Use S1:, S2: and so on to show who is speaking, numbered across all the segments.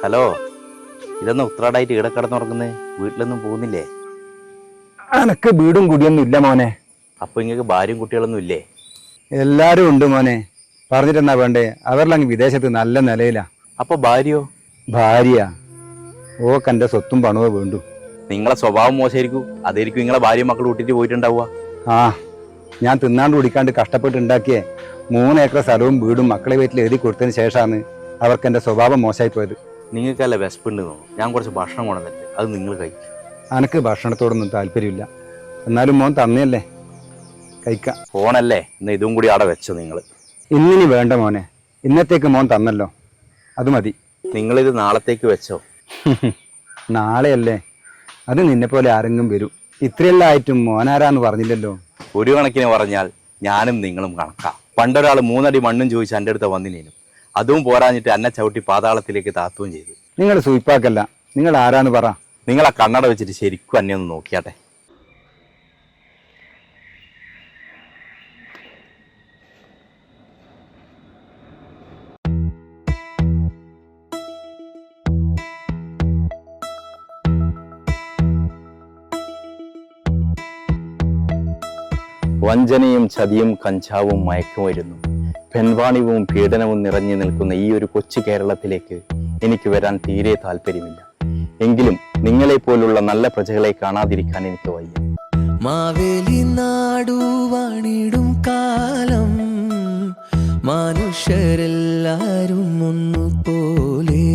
S1: Hello, ഇതൊന്നും ഉത്രാടായിട്ട് ഇവിടെ കിടന്നുറങ്ങുന്നേ? വീട്ടിലൊന്നും പോകുന്നില്ലേ?
S2: എനക്ക് വീടും കുടിയൊന്നും ഇല്ല മോനെ.
S1: അപ്പൊ ഇങ്ങക്ക് ഭാര്യയും കുട്ടികളൊന്നും ഇല്ലേ?
S2: എല്ലാരും ഉണ്ട് മോനെ. പറഞ്ഞിട്ടെന്നാ വേണ്ടേ, അവരിലങ്ങ് വിദേശത്ത് നല്ല നിലയിലാ.
S1: അപ്പൊ ഭാര്യയോ?
S2: ഭാര്യ ഓക്കെന്റെ സ്വത്തും പണവും വേണ്ടു.
S1: നിങ്ങളെ സ്വഭാവം മോശമായിരിക്കും, അതായിരിക്കും നിങ്ങളെ ഭാര്യയും മക്കൾ കൂട്ടിട്ട് പോയിട്ടുണ്ടാവുക.
S2: ആ, ഞാൻ തിന്നാണ്ട് കുടിക്കാണ്ട് കഷ്ടപ്പെട്ട് ഉണ്ടാക്കിയേ 3 ഏക്കർ സ്ഥലവും വീടും മക്കളെ വീട്ടിൽ എഴുതി കൊടുത്തതിന് ശേഷമാണ് അവർക്ക് എന്റെ സ്വഭാവം മോശമായി പോയത്.
S1: നിങ്ങൾക്കല്ല വിശപ്പുണ്ട് തോന്നും. ഞാൻ കുറച്ച് ഭക്ഷണം കൊണ്ടുവന്നിട്ട് അത് നിങ്ങൾ കഴിക്കും.
S2: അനക്ക് ഭക്ഷണത്തോടൊന്നും താല്പര്യമില്ല, എന്നാലും മോൻ തന്നെയല്ലേ, കഴിക്കാം.
S1: ഫോണല്ലേ, ഇന്ന് ഇതും കൂടി അവിടെ വെച്ചോ നിങ്ങൾ.
S2: ഇന്നിനി വേണ്ട മോനെ, ഇന്നത്തേക്ക് മോൻ തന്നല്ലോ, അത് മതി.
S1: നിങ്ങളിത് നാളത്തേക്ക് വെച്ചോ.
S2: നാളെയല്ലേ, അത് നിന്നെ പോലെ ആരെങ്കിലും വരും. ഇത്രയെല്ലാം ആയിട്ടും മോനാരാന്ന് പറഞ്ഞില്ലല്ലോ.
S1: ഒരു കണക്കിന് പറഞ്ഞാൽ ഞാനും നിങ്ങളും കണക്കാം. പണ്ടൊരാൾ 3 അടി മണ്ണും ചോദിച്ച് എൻ്റെ അടുത്ത് വന്നിനേനും. അതും പോരാഞ്ഞിട്ട് എന്നെ ചവിട്ടി പാതാളത്തിലേക്ക് താത്തുകയും ചെയ്തു.
S2: നിങ്ങൾ സൂയിപ്പാക്കല്ല, നിങ്ങൾ ആരാന്ന് പറ.
S1: നിങ്ങളെ കണ്ണട വെച്ചിട്ട് ശരിക്കും എന്നെ ഒന്ന് നോക്കിയാട്ടെ. വഞ്ചനയും ചതിയും കഞ്ചാവും മയക്കുമരുന്നും പെൺവാണിവും പീഡനവും നിറഞ്ഞു നിൽക്കുന്ന ഈ ഒരു കൊച്ചു കേരളത്തിലേക്ക് എനിക്ക് വരാൻ തീരെ താല്പര്യമില്ല. എങ്കിലും നിങ്ങളെ പോലുള്ള നല്ല പ്രജകളെ കാണാതിരിക്കാൻ എനിക്ക് വയ്യ.
S3: മാവേലി നാടു വാണിടും കാലം മനുഷ്യരെല്ലാരും ഒന്നുപോലെ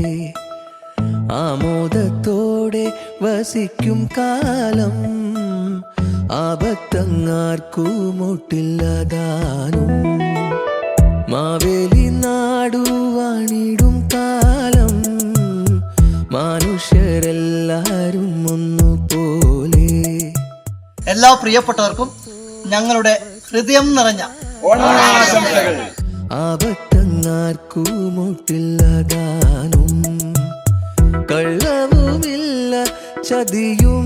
S3: ആമോദത്തോടെ വസിക്കും കാലം ആപത്തങ്ങാർക്കുമൊട്ടില്ലതാനും. മാവേലി നാടു വാണിടും കാലം മനുഷ്യരെല്ലാരും ഒന്നുപോലെ.
S4: എല്ലാ പ്രിയപ്പെട്ടവർക്കും ഞങ്ങളുടെ ഹൃദയം നിറഞ്ഞ ഓണാശംസകൾ.
S3: ആപത്തങ്ങാർക്കുമൊട്ടില്ലതാനും കള്ളവുമില്ല ചതിയും